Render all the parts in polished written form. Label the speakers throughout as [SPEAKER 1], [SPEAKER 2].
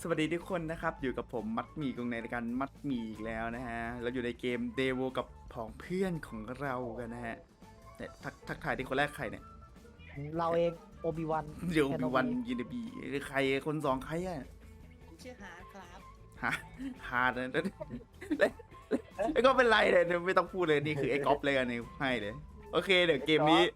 [SPEAKER 1] วัสดีทุกคนนะครับอยู่กับผมมัดหมี่กงในรายการมัดหมี่อีกแล้วนะฮะเราอยู่ในเกมเดโวกับผองเพื่อนของเรากันนะฮะเนี่ยทักทายที่คนแรกใครเนี่ย
[SPEAKER 2] เราเองโอบิวัน
[SPEAKER 1] เดี๋ยวมีวันยินดีหรือใครคนสองใครอะ
[SPEAKER 3] ผมชื่อฮาร์ดครับ
[SPEAKER 1] ฮาร์ดนะแล้วก็เป็นไรเลยไม่ต้องพูดเลยนี่คือไอ้ก๊อฟเลยกันนี่ให้เลยโอเคเดี๋ยวเกมนี้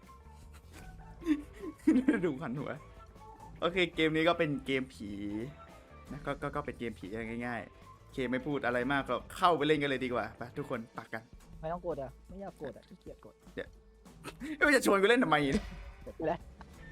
[SPEAKER 1] ดูขันหัวโอเคเกมนี้ก็เป็นเกมผีนะก็เป็นเกมผีง่ายๆโอเคไม่พูดอะไรมากก็เข้าไปเล่นกันเลยดีกว่าไปทุกคนตักกัน
[SPEAKER 2] ไม่ต้องกดอ่ะไม่อยากกดอ่ะขี้เกียจกด
[SPEAKER 1] ไม่จะชวนกูเล่นทำไมเนี่ย
[SPEAKER 2] กดไปแล้ว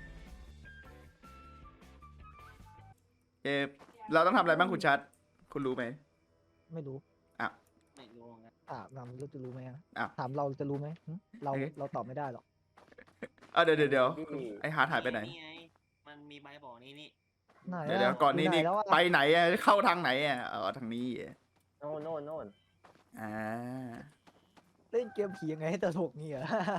[SPEAKER 1] เราต้องทำอะไรบ้างคุณชัดคุณรู้ไหม
[SPEAKER 2] ไม่รู้
[SPEAKER 3] ไม่รู้นะ
[SPEAKER 2] ถามเราจะรู้ไหมอะ
[SPEAKER 1] อ้าว
[SPEAKER 2] ถามเราจะรู้ไหมหึเราตอบไม่ได้หรอก
[SPEAKER 1] เดี๋ยวไอฮาร์ดหายไปไหน
[SPEAKER 3] ไงมันมีใบบอกนี่
[SPEAKER 2] ไหน
[SPEAKER 1] เดี๋ยวก่อนนี้
[SPEAKER 2] ยู่ไห
[SPEAKER 1] นี่
[SPEAKER 2] แล้วอะ
[SPEAKER 1] ไปไหนอะเข้าทางไหนอะทางนี้อะ
[SPEAKER 4] โน่น
[SPEAKER 1] อ่า
[SPEAKER 2] เล่นเกมผียังไงให้ตลกเนี่ย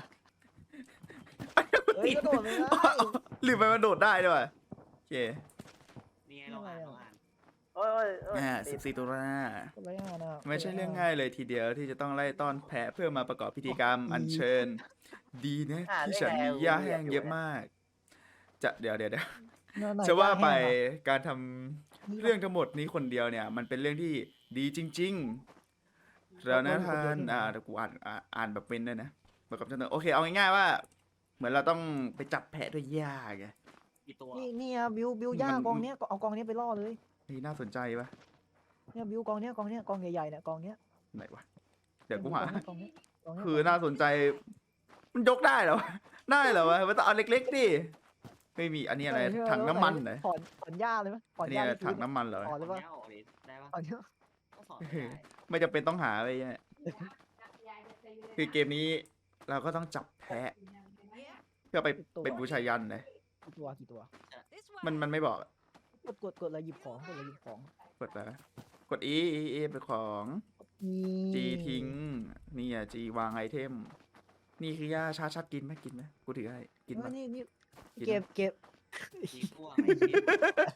[SPEAKER 2] เฮ้ยกระโดดไม่ได้
[SPEAKER 1] ลืมไปมันโดดได้ด้วยโอเค
[SPEAKER 3] นี่ไงเราอ่าน
[SPEAKER 4] โอ้ย
[SPEAKER 1] 14 ตุลา
[SPEAKER 2] อะไรอ่ะนะ
[SPEAKER 1] ไม่ใช่เรื่องง่ายเลยทีเดียวที่จะต้องไล่ต้อนแพะเพื่อมาประกอบพิธีกรรมอัญเชิญ ดีนะที่ฉันมีหญ้าแห้งเยอะมาก เดี๋ยว
[SPEAKER 2] ไหน
[SPEAKER 1] จะว่าไป
[SPEAKER 2] แห้งอะ
[SPEAKER 1] การทำเรื่องทั้งหมดนี้คนเดียวเนี่ย มันเป็นเรื่องที่ดีจริงๆแล้วนะท่านเดี๋ยวกูอ่านแบบเป็นด้วยนะประกอบจนโอเคเอาง่ายๆว่า เหมือนเราต้องไปจับแพะด้วยหญ้าไง
[SPEAKER 3] กี่ตัว
[SPEAKER 2] นี่อะบิวย่ากองเนี้ยเอากองเนี้ยไปล่อเลย
[SPEAKER 1] นี่น่าสนใจปะ
[SPEAKER 2] เนี่ยบิวกองเนี้ยกองใหญ่ๆเนี่ยกองเนี้ย
[SPEAKER 1] ไหนวะเดี๋ยวกูหา
[SPEAKER 2] กองเนี้ยกองเนี้ย
[SPEAKER 1] คือน่าสนใจ มันยกได้เหรอวะได้เหรอวะมันต้องเอาเล็กๆดิไม่มีอันนี้อะไรถังน้ำมันเหรอ
[SPEAKER 2] ถอนหญ้าเลยไหมถอ
[SPEAKER 1] อั
[SPEAKER 2] น
[SPEAKER 1] น
[SPEAKER 2] ห
[SPEAKER 1] นี้
[SPEAKER 2] ญ้า
[SPEAKER 1] อะไรถังน้ำมันเหรอ
[SPEAKER 2] ถอนเลยปะ
[SPEAKER 3] เนี้ยออกเลยได้ปะ
[SPEAKER 2] ถอนเนี้ย
[SPEAKER 3] ก็สอนได้
[SPEAKER 1] ไม่จำเป็นต้องหาไปเนี่ยคือเกมนี้เราก็ต้องจับแพะ เพื่อไปเป็นบูชายันเลย
[SPEAKER 2] กี่ตัว
[SPEAKER 1] มันไม่บอก
[SPEAKER 2] กดอะไรหยิบของกดอะไรหยิบของ
[SPEAKER 1] กดอะไรวะกด E เป็นของ G ทิ้งนี่อ่ะ G วางไอเทม นี่คือยาชัดกินไหมกูถือให้กินไหม
[SPEAKER 2] นี่
[SPEAKER 1] กิน
[SPEAKER 2] เก็บ
[SPEAKER 3] ทีพวกไอ้เชี่ย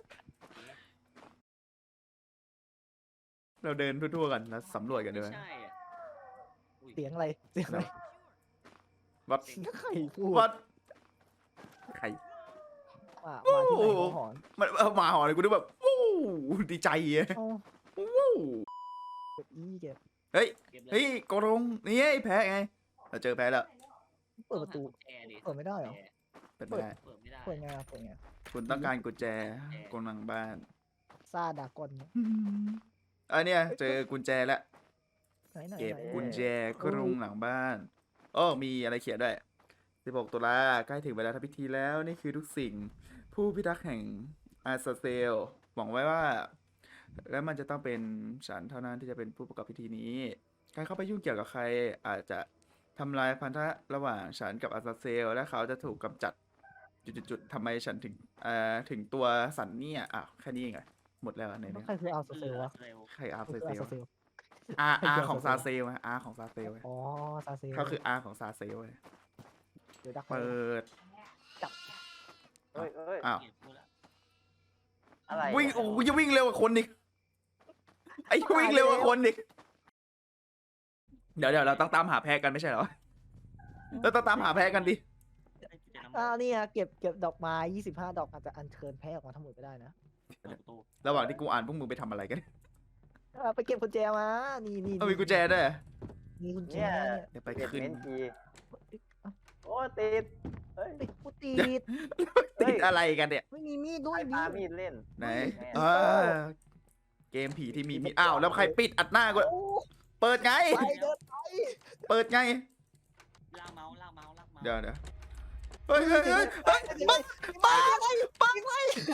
[SPEAKER 1] เราเดินทั่วๆกันแล้วสำรวจกันด้วย
[SPEAKER 3] ไม่ใช่อ่ะอุ้ย
[SPEAKER 2] เสียงอะไรเสียงอะไร
[SPEAKER 1] วัด
[SPEAKER 2] ใครพูด
[SPEAKER 1] วัดใคร
[SPEAKER 2] มาที่ไหนเขาหอน
[SPEAKER 1] มันมาหอเลยกูนึกแบบวู้ดีใจอะ
[SPEAKER 2] เอา
[SPEAKER 1] วู้
[SPEAKER 2] เก็บเก็บ
[SPEAKER 1] เฮ้ย
[SPEAKER 3] เก็บเลย
[SPEAKER 1] เฮ้ยโกรงนี่ไอ้แพ้ไงเราเจอแพ้แล้ว
[SPEAKER 2] เปิดประตู
[SPEAKER 3] แอร์ดิ
[SPEAKER 2] เปิดไม่ได้เหรอ
[SPEAKER 1] เปิดไม่ได้
[SPEAKER 3] เปิดไม่ได้
[SPEAKER 2] เปิดไงเปิดไง
[SPEAKER 1] คุณต้องการกุญแจกำลังบ้าน
[SPEAKER 2] ซาดากอนเนี่ย
[SPEAKER 1] อันเนี้ยเจอกุญแจแล้ว
[SPEAKER 2] ไหน
[SPEAKER 1] เก็บกุญแจกรงหลังบ้านโอ้มีอะไรเขียนด้วย16 ตุลาใกล้ถึงเวลาทำพิธีแล้วนี่คือทุกสิ่ง ผู้พิทักษ์แห่งอาซาเซลหวังไว้ว่า และมันจะต้องเป็นฉันเท่านั้นที่จะเป็นผู้ประกอบพิธีนี้ การเข้าไปยุ่งเกี่ยวกับใครอาจจะทำลายพันธะระหว่างฉันกับอาซาเซล และเขาจะถูกกำจัดจุดๆทำไมฉันถึงตัวสันเนี่ยแค่นี้เองเหรอหมดแล้วใน
[SPEAKER 2] แล้ว
[SPEAKER 1] เนี้ย
[SPEAKER 2] ใครคืออาร์เซเซลวะ
[SPEAKER 3] เร็ว
[SPEAKER 1] ใครอา
[SPEAKER 2] ใคร
[SPEAKER 1] ซา
[SPEAKER 2] คือ
[SPEAKER 1] เซ
[SPEAKER 2] อา
[SPEAKER 1] ล
[SPEAKER 2] ร์เซเซล
[SPEAKER 1] อาของซาเซลอาของซาเซล
[SPEAKER 2] อ๋อซาเซล
[SPEAKER 1] เขาคืออาของซาเซล
[SPEAKER 2] เดี๋ยวดัก
[SPEAKER 1] เปิด
[SPEAKER 4] เฮ้ย
[SPEAKER 1] อ้าว
[SPEAKER 3] เก็บพูดละ
[SPEAKER 4] อะไร
[SPEAKER 1] วิ่งโอ้ยวิ่งเร็วกว่าคนอีกไอ้วิ่งเร็วกว่าคนอีกเดี๋ยวเราต้องตามหาแพ้กันไม่ใช่เหรอเราต้องตามหาแพ้กันดิ
[SPEAKER 3] จะนำ
[SPEAKER 2] นี่เก็บดอกไม้25 ดอกอาจจะอัญเชิญแพ้ออกมาทั้งหมดก็ได้นะ
[SPEAKER 3] เปิดประตู
[SPEAKER 1] ระหว่างที่กูอ่านพวกมึงไปทำอะไรกัน
[SPEAKER 2] ไปเก็บกุญแจมานี่
[SPEAKER 1] มีกุญแจด้วย
[SPEAKER 2] มีกุญแจ
[SPEAKER 4] เนี่ย
[SPEAKER 2] เนี่ย
[SPEAKER 1] เดี๋ยวไป
[SPEAKER 4] เก็บ
[SPEAKER 1] ขึ้น
[SPEAKER 4] เม้นทีโอ้ติดเฮ้ย
[SPEAKER 2] ติดกูติด
[SPEAKER 1] ติดอะไรกันเนี่ย
[SPEAKER 2] ไม่มีมีดด้ว
[SPEAKER 4] ใคร
[SPEAKER 2] ย
[SPEAKER 4] ปามีดเล่น
[SPEAKER 1] ไหน
[SPEAKER 4] แม่
[SPEAKER 1] เกมผีที่มีอ้าวแล้วใครปิดอัดหน้ากู
[SPEAKER 2] โอ้
[SPEAKER 1] เปิดไง
[SPEAKER 2] ไปเดินไป
[SPEAKER 1] เปิดไง
[SPEAKER 3] ลากเมาส์ลากเมาส์ลากเมาส์
[SPEAKER 1] เดี๋ยวเฮ้ยมาไง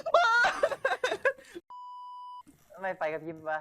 [SPEAKER 4] ทำไมไฟกระพริบวะ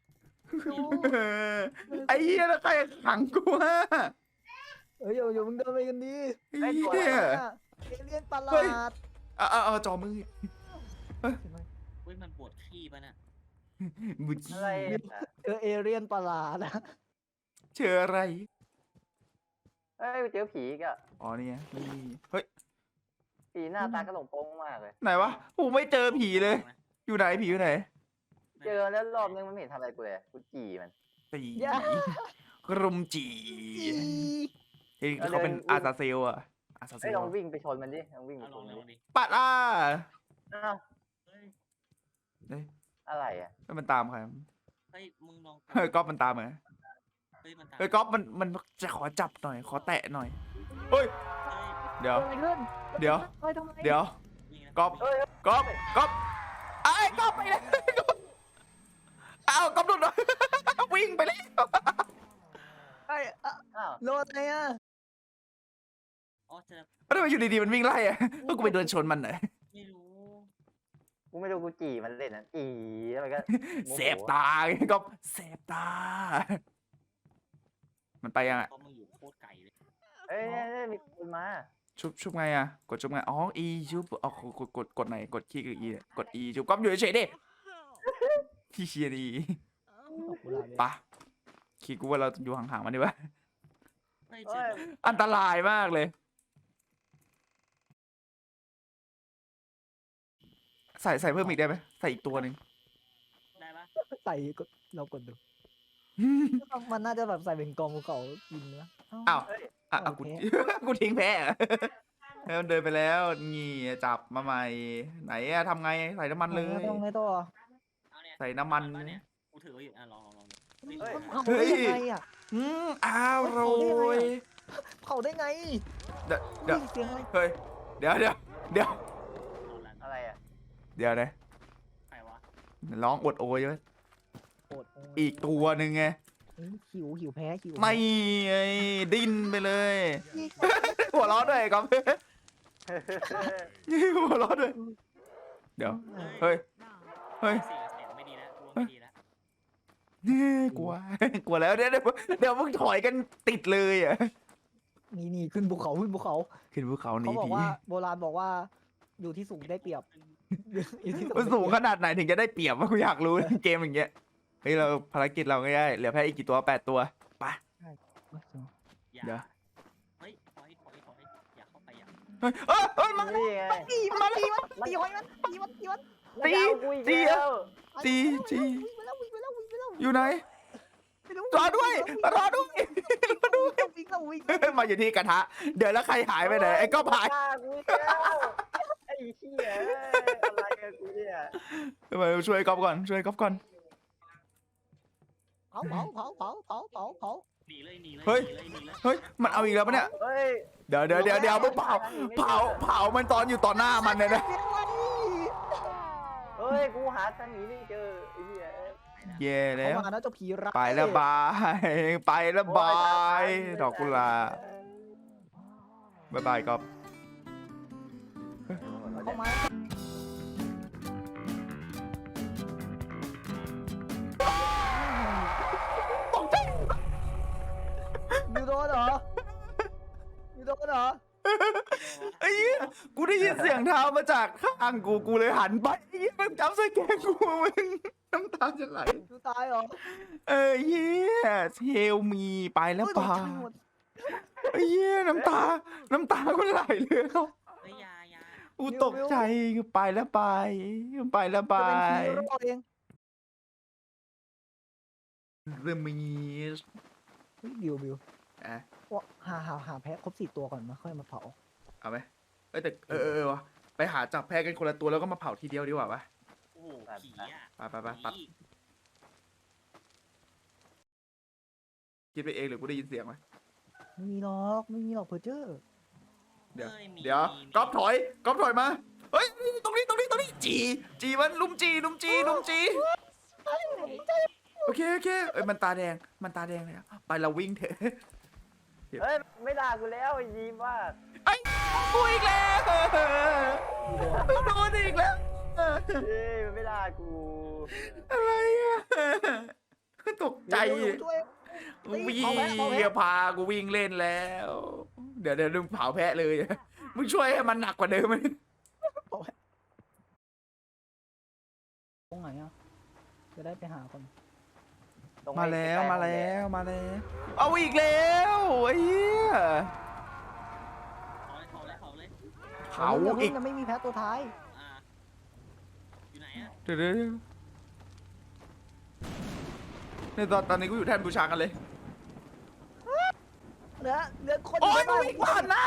[SPEAKER 1] ไอ้เหี้ยแล้วใครขังกูฮะ
[SPEAKER 2] เฮ้ยอย่ามึงเดินไปกันดี
[SPEAKER 1] ไอ้เหี้ย
[SPEAKER 2] เอเลี่ยนประหลาด
[SPEAKER 1] เอาจอมือ
[SPEAKER 3] เฮ้ยมันปวดขี้ป่ะน่ะ
[SPEAKER 1] มึง
[SPEAKER 4] อะไรอ่ะ
[SPEAKER 2] เอเลี่ยนประหลาดนะ
[SPEAKER 1] เจออะไร
[SPEAKER 4] เฮ้ยเจอผีอีกอ่ะ
[SPEAKER 1] อ๋อนี่เฮ้ย
[SPEAKER 4] ผีหน้าตากระหลงโป้งมากเลย
[SPEAKER 1] ไหนวะกูไม่เจอผีเลย อยู่ไหนผีอยู่ไหน
[SPEAKER 4] เจอแล้วรอบนึงมันไม่เห็นทำอะไรกูเลยกูจีมัน
[SPEAKER 1] ตี
[SPEAKER 2] อย่าก
[SPEAKER 1] รุมจี
[SPEAKER 2] อี
[SPEAKER 1] เฮ้ยเขาเป็นอาซาเซลอะอาซาเซ
[SPEAKER 4] เฮ้ย
[SPEAKER 1] ล
[SPEAKER 4] ลองวิ่งไปชนมันดิลองวิ่งไป
[SPEAKER 3] เอา
[SPEAKER 4] ช
[SPEAKER 3] ลอน ง
[SPEAKER 4] มัน
[SPEAKER 3] ลอง
[SPEAKER 4] ดิ
[SPEAKER 3] ดิ
[SPEAKER 1] ปัดอ่ะ
[SPEAKER 4] อ้าว
[SPEAKER 3] เฮ้ย
[SPEAKER 1] เฮ้ย
[SPEAKER 4] อะไรอ่ะ
[SPEAKER 1] มันตามใคร
[SPEAKER 3] เฮ้ยมึงลอง
[SPEAKER 1] เฮ้ยก๊อฟมันตามไหม
[SPEAKER 3] เฮ้ยมันตาม
[SPEAKER 1] เฮ้ยก๊อฟมันจะขอจับหน่อย ขอแตะหน่อยเฮ้ย
[SPEAKER 3] เฮ้ย
[SPEAKER 1] เดี๋ยว
[SPEAKER 2] เกิดอะไรขึ้น
[SPEAKER 1] เดี๋ยว
[SPEAKER 2] เฮ้ยทำไม
[SPEAKER 1] เดี๋ยว
[SPEAKER 3] วิ่งนะ
[SPEAKER 1] ก๊อฟ
[SPEAKER 4] เฮ้ย
[SPEAKER 1] ก๊อฟก๊อฟไอ้ยก๊อฟไปเลยเอาก๊อฟหลุดเลยวิ่งไปเลย
[SPEAKER 2] ไอ้อะ
[SPEAKER 4] อ้าว
[SPEAKER 2] โดนอะไรอ่ะ
[SPEAKER 3] อ๋อจะ
[SPEAKER 1] แล้วทำไมอยู่ดีๆมันวิ่งไล่อะก็กูไปเดินชนมันหน่อย
[SPEAKER 3] ไม่รู้
[SPEAKER 4] กูไม่รู้กูจีมันเล่นนะจีแล้วมันก็โมโห
[SPEAKER 1] เสพตาไงก๊อฟเสพตา มันไปยังอะ
[SPEAKER 3] เพราะมึงอยู่โคตรไกลเลย
[SPEAKER 4] เอ้ยเนี่ยมีคนมา
[SPEAKER 1] ชุบไงอะกดชุบไงอ๋อ E ชุบอ๋อกดไหนกดคีย์คือ E เนี่ยกด E ชุบก๊อฟอยู่เฉยๆดิที่เชียร์ดี
[SPEAKER 2] ตกกุหลาบเลย
[SPEAKER 1] ปะคิดกูว่าเราอยู่ห่างๆมันดีวะ
[SPEAKER 3] เฮ้ยเจ
[SPEAKER 4] เอ้
[SPEAKER 3] อย
[SPEAKER 1] อันตรายมากเลย ใส่เพิ่มอีกได้ไหมใส่อีกตัวหนึ่ง
[SPEAKER 3] ได้ปะ
[SPEAKER 2] ใส่กดเรากดดู มันน่าจะแบบใส่เป็นกองภูเขากินนะ
[SPEAKER 1] อ้าวอ่ะ
[SPEAKER 2] โอ
[SPEAKER 1] กู
[SPEAKER 2] เค
[SPEAKER 1] กูทิ้งแพ้อะให้มันเดินไปแล้วงี่จับมาใหม่ ไหนอะทำไงใส่น้ำมันเลย
[SPEAKER 2] ต้องไงต่อ
[SPEAKER 3] เอาเนี่ย
[SPEAKER 1] ใส่น้ำมัน
[SPEAKER 3] เอาเนี่ยกูถือไว้อยู่อ่ะลองดิ
[SPEAKER 4] เฮ้ย
[SPEAKER 2] เผาได้ยังไงอ่ะ
[SPEAKER 1] อร่อย
[SPEAKER 2] เผาได้ไง
[SPEAKER 1] เดี๋ยว
[SPEAKER 2] ได้ยินเสียงอะไร
[SPEAKER 1] เฮ้ยเดี๋ยว
[SPEAKER 3] เอาละ
[SPEAKER 4] อะไรอ่ะ
[SPEAKER 1] เดี๋ยวนะ
[SPEAKER 3] ใครวะ
[SPEAKER 1] ร้องอดโอยไว้
[SPEAKER 2] โอดโย
[SPEAKER 1] อีกตัวหนึ่งไง
[SPEAKER 2] หิวแพ้หิว
[SPEAKER 1] ไม่ไงดิ้นไปเลย หัวเร้อนด้วยก๊อฟหัวเร้อนด้วย เดี๋ยว เฮ้ย เฮ้ย
[SPEAKER 3] เสียงไม่ดีแล้วกูว่าไม่ดีแล้ว
[SPEAKER 1] กลัว กลัวแล้วเดี๋ยวมึงถอยกันติดเลยอ่ะ
[SPEAKER 2] นี่ขึ้นภูเขาขึ้นภูเขา
[SPEAKER 1] ขึ้นภูเขาหนี
[SPEAKER 2] เขาบอก
[SPEAKER 1] ผี
[SPEAKER 2] ว่าโบราณบอกว่า อยู่ที่สูงได้เปรียบอยู่ที่
[SPEAKER 1] มันสูงข
[SPEAKER 2] ได้เปรียบ
[SPEAKER 1] นาดไหนถึงจะได้เปรียบวะกูอยากรู้ เกมอย่างเงี้ย เฮ้ยเราภารกิจเราง่ายๆเหลือแค่อีกกี่ตัว8 ตัว ไป
[SPEAKER 3] อย่า
[SPEAKER 1] เดี๋ยว
[SPEAKER 3] เฮ้ยถอยอย่าเข้าไปอย่า
[SPEAKER 1] เฮ้ยเฮ้ยมา
[SPEAKER 4] นี่ไง
[SPEAKER 2] ตีมันตีมันตีหอยมันตีมันตีมัน
[SPEAKER 4] มันจะเอากูอีกแล้ว
[SPEAKER 1] ตีจี
[SPEAKER 2] วิ่งไปแล้ววิ่งไปแล้ววิ่งไปแล้ว
[SPEAKER 1] อยู่ไหน รอด้วย รอด้วย
[SPEAKER 2] วิ่งแล้ววิ่งแล้ว
[SPEAKER 1] มาอยู่ที่กระทะ เดี๋ยวแล้วใครหายไปไหนไอ้ก็หาย
[SPEAKER 4] ฆ่ากูอีกแล้วไอ้เหี้ยอะไรกับกูเนี่ย
[SPEAKER 1] มาช่วยก๊อฟก่อน ช่วยก๊อฟก่อน
[SPEAKER 2] เผาเผา
[SPEAKER 3] หนีเลยหนีเลย
[SPEAKER 1] เฮ้ย
[SPEAKER 3] หนีเลย
[SPEAKER 1] เฮ้ย มันเอาอีกแล้วปะเนี่ย
[SPEAKER 4] เฮ้ย
[SPEAKER 1] เดี๋ยวมึงเผามันตอนอยู่ต่อหน้ามันเลยนะ
[SPEAKER 4] เฮ้ยกูหาทางหนีไม่เจอไอ้เหี้ย
[SPEAKER 1] เย่
[SPEAKER 2] เขา
[SPEAKER 1] แล้ว
[SPEAKER 2] มานะเจ้าผีร้าย
[SPEAKER 1] ไปแล้วบาย ไปแล้วบาย ดอกกุหลาบบ๊ายบายก๊อฟ
[SPEAKER 2] เขามาอยู่โดนเหรออยู่โดนเหรอ
[SPEAKER 1] ไอ้เหี้ยกูได้ยินเสียงเท้ามาจากข้างกูเลยหันไปไอ้เหี้ยมันจับใส่แกงกูมึงน้ำตาจะไหล
[SPEAKER 2] อยู่ตายเหรอ
[SPEAKER 1] เหี้ยเทลมีไปแล้ว
[SPEAKER 2] โอ้ย
[SPEAKER 1] บา
[SPEAKER 2] ตกใจหมด
[SPEAKER 1] ไอ้เหี้ยน้ำตาก็ไหลเลยเขา
[SPEAKER 3] เฮ้ยอยา
[SPEAKER 1] กูตกใจไปแล้วไปแล้วไป
[SPEAKER 2] จะเป็นผีรอดเอง
[SPEAKER 1] เรมีส
[SPEAKER 2] เฮ้ยบิว
[SPEAKER 1] อ่ะ
[SPEAKER 2] ว่าหาแพ้ครบ4 ตัวก่อนมาค่อยมาเผา
[SPEAKER 1] เอาไหมแต่วะไปหาจับแพ้กันคนละตัวแล้วก็มาเผาทีเดียวดีกว่าปะ
[SPEAKER 3] โอ้โหผีอ่ะ
[SPEAKER 1] ไปตัดคิดไปเองหรือกูได้ยินเสียงไหม
[SPEAKER 2] ไม่มีหรอกเพอร์เจอร์
[SPEAKER 1] เดี๋ยวก๊อฟถอยมาเฮ้ยตรงนี้จีมันลุมจีโอเคเอ้ยมันตาแดงเลยอะไปเราวิ่งเถอะ
[SPEAKER 4] เฮ้ยไม่ด่ากูแล้วไอ้ยีว่า
[SPEAKER 1] ไอ้กูอีกแล้วโดนอีกแล้ว
[SPEAKER 4] เฮ้ยมันไม่ด่ากู
[SPEAKER 1] อะไรอะตกใจ
[SPEAKER 2] ช่วย
[SPEAKER 1] วิ่งพากูวิ่งเล่นแล้ว เดี๋ยวมึงเผาแพะเลยมึงช่วยให้มันหนักกว่าเดิมไหม
[SPEAKER 2] ตรงไหนอ่ะจะได้ไปหาคน
[SPEAKER 4] ตรง
[SPEAKER 1] มา
[SPEAKER 4] ไอ้
[SPEAKER 1] แล้ว
[SPEAKER 4] ใกล้ๆ
[SPEAKER 1] มา
[SPEAKER 4] ห้องแด
[SPEAKER 1] แล้
[SPEAKER 4] ง
[SPEAKER 1] วเอาอีกแล้วไอ้เหี้ย
[SPEAKER 3] เผาเลย
[SPEAKER 1] เผาอีก
[SPEAKER 2] ยังไม่มีแพ้ตัวท้าย
[SPEAKER 3] อ่าอยู่ไหนอ่ะ
[SPEAKER 1] เดี๋ยวในตอนนี้กูอยู่แท่นบูชากันเลย
[SPEAKER 2] เหลือคน
[SPEAKER 1] โอ้ย
[SPEAKER 2] ใน
[SPEAKER 1] มึ
[SPEAKER 2] บ้าง น
[SPEAKER 1] วิ่งผ่านหน้า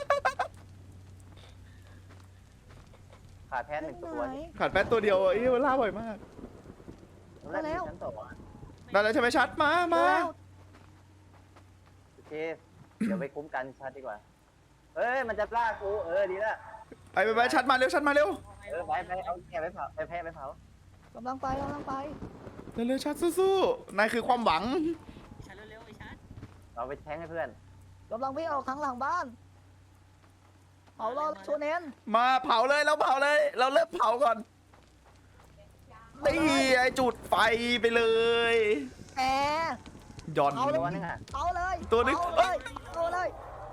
[SPEAKER 4] ขาดแทนหนึ่งตัว
[SPEAKER 2] ไหน
[SPEAKER 1] ขาดแป๊ดตัวเดียวเอ้ยมันล่าบ่อยมาก
[SPEAKER 4] แรกมีชั้นสองอะ
[SPEAKER 1] ได้แล้วใช่ไหมชัดมา
[SPEAKER 2] แล้ว
[SPEAKER 4] โอเคเดี๋ยวไปคุ้มกันชัดดีกว่าเฮ้ยมันจะล่ากูดีละ
[SPEAKER 1] ไปชัดมาเร็วชัดมาเร็ว
[SPEAKER 4] ไปเอาแกะไปเผาไปแพะไปเผาก
[SPEAKER 2] ำลังไป
[SPEAKER 1] เร็วชัดสู้ๆนายคือความหวัง
[SPEAKER 3] ชัดเร็วๆไอ้ชัด
[SPEAKER 4] เราไปแทงให้เพื่อน
[SPEAKER 2] กำลังวิ่งออกทางหลังบ้านเอาเราโชเนน
[SPEAKER 1] มาเผาเลยเราเผาเลย เราเริ่มเผาก่อนนี่ไอจุดไฟไปเลย
[SPEAKER 2] แอร์
[SPEAKER 1] ย่อน
[SPEAKER 2] เอาเลย
[SPEAKER 4] ตัวนึงอ่ะ
[SPEAKER 2] เอาเลย
[SPEAKER 1] ตัวนึง
[SPEAKER 2] เอาเลย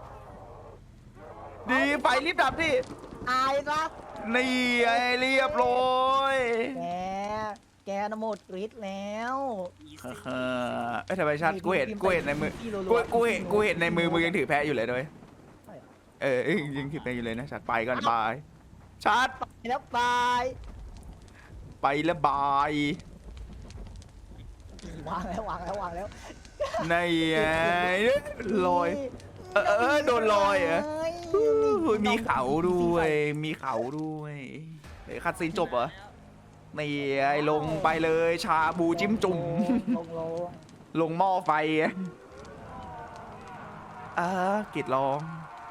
[SPEAKER 1] ดีไฟรีบดับดิ
[SPEAKER 2] อายซะ
[SPEAKER 1] นี่ไอเรียบร้อย
[SPEAKER 2] แกน่ะหมดฤทธิ์แล้ว
[SPEAKER 3] อี
[SPEAKER 1] เฮ้
[SPEAKER 3] ซี่
[SPEAKER 1] เอ้ยทำไมชัดกูเห็นในมือกูเห็นในมือมึงยังถือแพะอยู่เลยด้วย
[SPEAKER 2] ใช่เหรอ
[SPEAKER 1] ยังถือแพะอยู่เลยนะชัดไปก่อนบายชัด
[SPEAKER 2] ไปแล้วบาย
[SPEAKER 1] ไปแล้วบายว
[SPEAKER 2] างแล้ว
[SPEAKER 1] นี่ไงลอย โดนลอยเหรอ มีเขาด้วยเฮ้ยคัดซีนจบเหรอนี่ไอลงไปเลยชาบูจิ้มจุ่ม
[SPEAKER 2] ลง
[SPEAKER 1] ลงหม้อไฟกิดลอง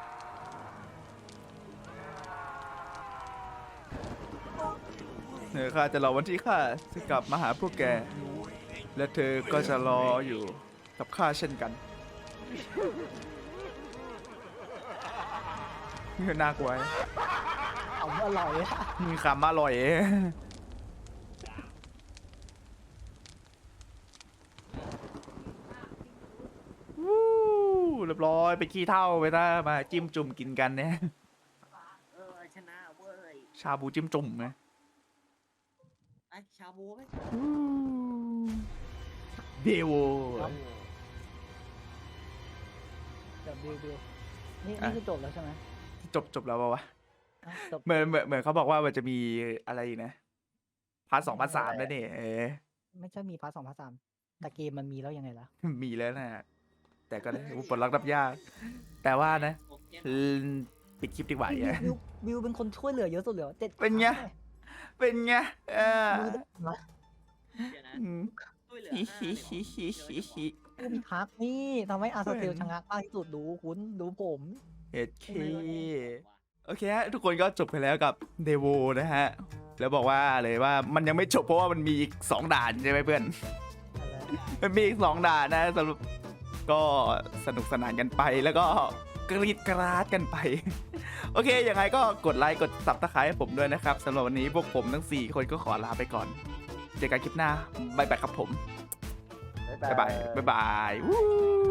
[SPEAKER 1] ข้าจะรอวันที่ข้าจะกลับมาหาพวกแก และเธอก็จะรออยู่กับข้าเช่นกันนี่น่ากลัว
[SPEAKER 2] เอาอร่อยอะ
[SPEAKER 1] มีคำอร่อยวู้เรียบร้อยไปขี้เท่าไปถ้ามาจิ้มจุ่มกินกันเนี่ย
[SPEAKER 3] ชนะเว้ย
[SPEAKER 1] ชาบูจิ้มจุ่มไง
[SPEAKER 3] ไอ้ชาบูไหม
[SPEAKER 1] เดว
[SPEAKER 2] เดี๋ยวดิวนี่คือจบแล้วใช่ไหม
[SPEAKER 1] จบแล้วปะวะ
[SPEAKER 2] อ่ะจบ
[SPEAKER 1] เหมือนเขาบอกว่ามันจะมีอะไรอีกนะพาร์ท 2 พาร์ท 3แล้วเนี่ย
[SPEAKER 2] ไม่ใช่มีพาร์ท2พาร์ท3แต่เกมมันมีแล้วยังไงล่ะ
[SPEAKER 1] มีแล้วนะแต่ก็ได้ปลดล็อกรับยาก แต่ว่านะ
[SPEAKER 3] โอเค
[SPEAKER 1] ปิดคลิปดีกว่า
[SPEAKER 2] วิวเป็นคนช่วยเหลือเยอะสุดเลยเจ็ด
[SPEAKER 1] เป็นไง เป็นไง
[SPEAKER 2] วิวนะ
[SPEAKER 3] เดี๋ยวนะ
[SPEAKER 1] อืม
[SPEAKER 3] ช่วยเหลือ
[SPEAKER 1] ฮิ
[SPEAKER 2] ผู้พิทักษ์นี่ทำให้อาร์เซลชะงักมากที่สุดดูคุณดูผม
[SPEAKER 1] เอ็ดเคโอเคฮะทุกคนก็จบไปแล้วกับเดโวนะฮะ แล้วบอกว่าเลยว่ามันยังไม่จบเพราะว่ามันมีอีก2ด่านใช่ไหมเพื่อน มันมีอีก2ด่านนะสรุปก็สนุกสนานกันไปแล้วก็กรีดกราดกันไป โอเคยังไงก็กดไลค์กดซับสไครต์ให้ผมด้วยนะครับสำหรับวันนี้พวกผมทั้ง4คนก็ขอลาไปก่อนเจอกันคลิปหน้าบ๊ายบายครับผม
[SPEAKER 4] บ๊ายบาย
[SPEAKER 1] บ๊ายบายวู้